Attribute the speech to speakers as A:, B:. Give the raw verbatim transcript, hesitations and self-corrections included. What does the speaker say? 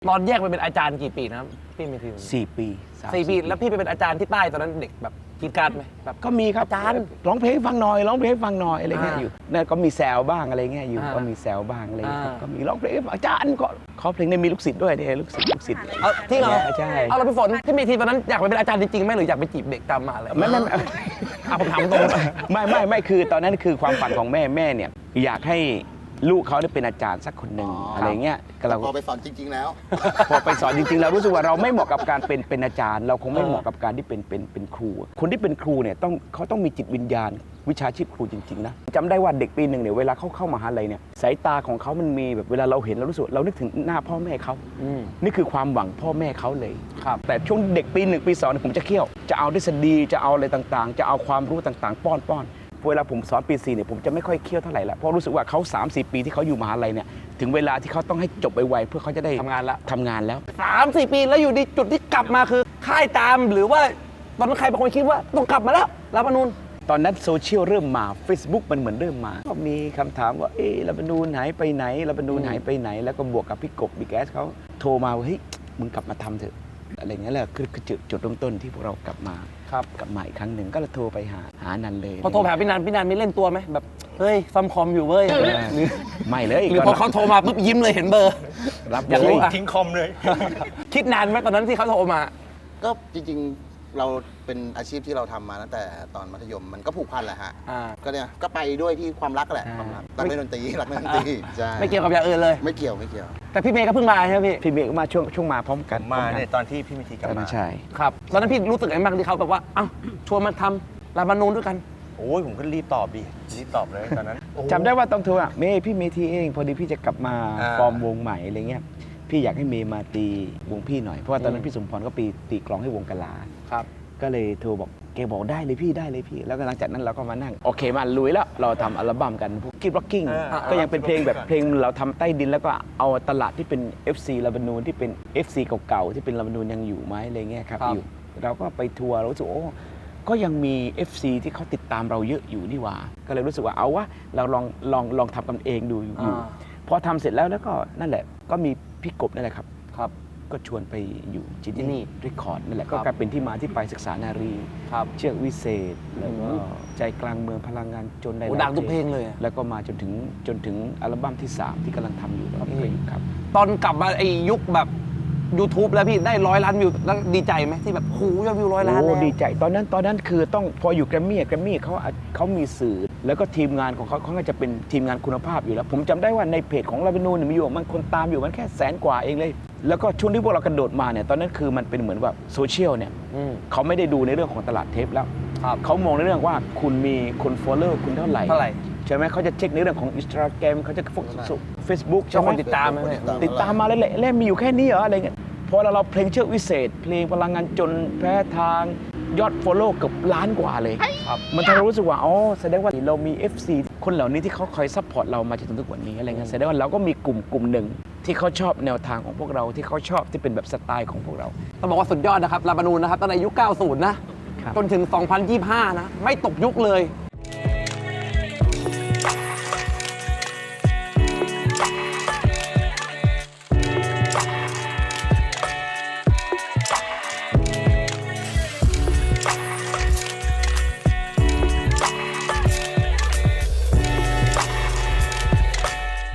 A: ตอนแยกไปเป็นอาจารย์กี่ปีนะครับพี่เมธี
B: สี่ปี
A: สี่ปีแล้วพี่ไปเป็นอาจารย์ที่ใต้ตอนนั้นเด็กแบบกีดการไหมแบบ
B: ก็มีครับ
A: อาจารย์
B: ร้องเพลงฟังหน่อยร้องเพลงฟังหน่อยอะไรเงี้ยอยู่นั่นก็มีแซวบ้างอะไรเงี้ยอยู่ก็มีแซวบ้างอะไรเงี้ยก็มีร้องเพลงอาจารย์ก็ขอเพลงในมีลูกศิษย์ด้วยเนี่ยลูกศิษย์ลูกศิษย์
A: เอาที่เรา
B: ใช่
A: เอาเราไปฝนพี่เมธีตอนนั้นอยากไปเป็นอาจารย์จริงๆไหมหรืออยากไปจีบเด็กตามมาอะไร
B: ไม่ไม่
A: เอาผมถามตรง
B: ไม่ไม่ไม่คือตอนนั้นคือความฝันของแม่แม่เนี่ยอยากให้ลูกเขาได้เป็นอาจารย์สักคนหนึ่งอะไรเงี้ย
C: เราพอไปสอนจริงๆแล้ว
B: พอไปสอนจริงๆเรารู้สึกว่าเราไม่เหมาะกับการเป็นเป็นอาจารย์เราคงไม่เหมาะกับการที่เป็นเป็นเป็นครูคนที่เป็นครูเนี่ยต้องเขาต้องมีจิตวิญญาณวิชาชีพครูจริงๆนะจำได้ว่าเด็กปีหนึ่งเนี่ยเวลาเขาเข้ามหาลัยเนี่ยสายตาของเขามันมีแบบเวลาเราเห็นเรารู้สึกเรานึกถึงหน้าพ่อแม่เขานี่คือความหวังพ่อแม่เขาเลย
A: ครับ
B: แต่ช่วงเด็กปีหนึ่งปีสองผมจะเคี่ยวจะเอาทฤษฎีจะเอาอะไรต่างๆจะเอาความรู้ต่างๆป้อนป้อนเวลาผมสอนปีสี่เนี่ยผมจะไม่ค่อยเคี่ยวเท่าไหร่ละเพราะรู้สึกว่าเขา สามสี่ ปีที่เขาอยู่มหาลัยเนี่ยถึงเวลาที่เขาต้องให้จบไวๆเพื่อเขาจะได้
A: ทำงานแล้ว
B: ทำงานแล้ว
A: สามสี่ปีแล้วอยู่ดีจุดที่กลับมาคือค่ายตามหรือว่าตอนนั้นใครบางคนคิดว่าต้องกลับมาแล้วรัฐธรรมนูญ
B: ตอนนั้นโซเชียลเริ่มมา Facebook มันเหมือนเริ่มมาก็มีคำถามว่าเอ๊ะรัฐธรรมนูญหายไปไหนรัฐธรรมนูญหายไปไหนแล้วก็บวกกับพี่กบบิ๊กแอสเขาโทรมาว่าเฮ้ยมึงกลับมาทำเถอะอะไรเงี้ยแหละคือจุดจุดเริ่มต้นที่พวกเรากลับมา
A: ครับ
B: กลับมาอีกครั้งหนึ่งก็เลยโทรไปหาหานันเลย
A: พอโทรไปหาพี่นันพี่นันมีเล่นตัวไหมแบบเฮ้ยซัมคอมอยู่เว้ย
B: ไม่เลย
A: หรือพอเขาโทรมาปุ๊บยิ้มเลยเห็นเบอร์
B: รับ
A: อยากรู้
B: ทิ้งคอมเลย
A: คิดนานไหมตอนนั้นที่เขาโทรมา
C: ก็จริงๆเราเป็นอาชีพที่เราทำมาตั้งแต่ตอนมัธยมมันก็ผูกพันแหละฮะก็เนี่ยก็ไปด้วยที่ความรักแหละความรักรักเล่นดนตรีรักเล่นดนตรีใช่
A: ไม่เกี่ยวกับอย่างอื่นเลย
C: ไม่เกี่ยวไม่เกี่ยว
A: แต่พี่เมย์ก็เพิ่งมาใช่ไหมพี่
B: พี่เมย์ก็มาช่วงช่วงมาพร้อมกัน
D: มาเนี่ยตอนที่พี่มิธีกลับมา
B: ใช่
A: ครับตอนนั้นพี่รู้สึกยังไงบ้างที่เขาแบบว่าเอ้าชวนมาทำรัฐธรรมนูญด้วยกัน
D: โอ้ยผมก็รีบตอบดิรีบตอบเลยตอนนั้น
B: จำได้ว่าต้องโทรอ่ะเมย์พี่เมทีเองพอดีพี่จะกลับมาฟอร์มวงใหม่อะไรเงี้ยพี่อยากให้เมย์มาตีวงพี่หน่อยเพราะว่าตอนนั้นพี่สมพรก็ปีตีกลองให้วงกะลา
A: ครับ
B: ก็เลยโทรบอกแกบอกได้เลยพี่ได้เลยพี่แล้วก็หลังจากนั้นเราก็มานั่งโอเคมาลุยแล้วเราทำอัลบั้มกันพวกคิดร็อกกิ้งก็ยังเป็นเพลงแบบเพลงเราทำใต้ดินแล้วก็เอาตลาดที่เป็น เอฟ ซี รัฐธรรมนูญที่เป็น เอฟ ซี เก่าๆที่เป็นรัฐธรรมนูญยังอยู่ไหมอะไรเงี้ยครับอยู่เราก็ไปทัวร์เรารู้สึกโอ้ก็ยังมี เอฟ ซี ที่เขาติดตามเราเยอะอยู่นี่หว่าก็เลยรู้สึกว่าเอาวะเราลองลองลองทำกันเองดูอยู่พอทำเสร็จแล้วแล้วก็นั่นแหละก็มีพี่กบนั่นแหละครับ
A: ครับ
B: ก็ชวนไปอยู่จินนี่รีคอร์ดนั่นแหละก็กลายเป็นที่มาที่ไปศึกษานารีเชือกวิเศษแล้วก็ใจกลางเมืองพลังงานจนได้
A: ดังทุกเพลงเลย
B: แล้วก็มาจนถึงจนถึงอัลบั้มที่สามที่กำลังทำอยู่ตอนนี้ครับ
A: ตอนกลับมาไอ้ยุคแบบ YouTube แล้วพี่ได้ร้อยล้านวิวแล้วดีใจไหมที่แบบโหยอดวิวร้อยล้านแล้ว
B: ดีใจตอนนั้นตอนนั้นคือต้องพออยู่แกรมมี่แกรมมี่เขาเขามีสื่อแล้วก็ทีมงานของเขาเขาก็จะเป็นทีมงานคุณภาพอยู่แล้วผมจำได้ว่าในเพจของรัฐธรรมนูญมีอยู่มันคนตามอยู่มันแค่แสนกว่าเองเลยแล้วก็ช่วงที่พวกเรากระโดดมาเนี่ยตอนนั้นคือมันเป็นเหมือนแบบโซเชียลเนี่ยเขาไม่ได้ดูในเรื่องของตลาดเทปแล้วเขามองในเรื่องว่าคุณมีคนฟอลโล่คุณเท่าไหร่
A: เท่าไหร่
B: ใช่ไหมเขาจะเช็คในเรื่องของ Instagram เขาจะเฟซบุ๊กใช่ไหม
A: ติดตามไหม
B: ติดตามมาเลยแหละมีอยู่แค่นี้เหรออะไรเงี้ยพอเราเราเพลงเชือกวิเศษเพลงพลังงานจนแพ้ทางยอดฟอลโล่เกือบล้านกว่าเลยมันทำให้เรารู้สึกว่าอ๋อแสดงว่าเรามี เอฟ ซี คนเหล่านี้ที่เขาคอยซัพพอร์ตเรามาจนถึงทุกวันนี้อะไรเงี้ยแสดงว่าเราก็มีกลุ่มกลุ่มหนึ่งที่เขาชอบแนวทางของพวกเราที่เขาชอบที่เป็นแบบสไตล์ของพวกเรา
A: ต้องบอกว่าสุดยอดนะครับรัฐธรรมนูญนะครับตั้งแต่ยุคเก้าสิบนะจนถึงสองพันยี่สิบห้านะไม่ตกยุคเลย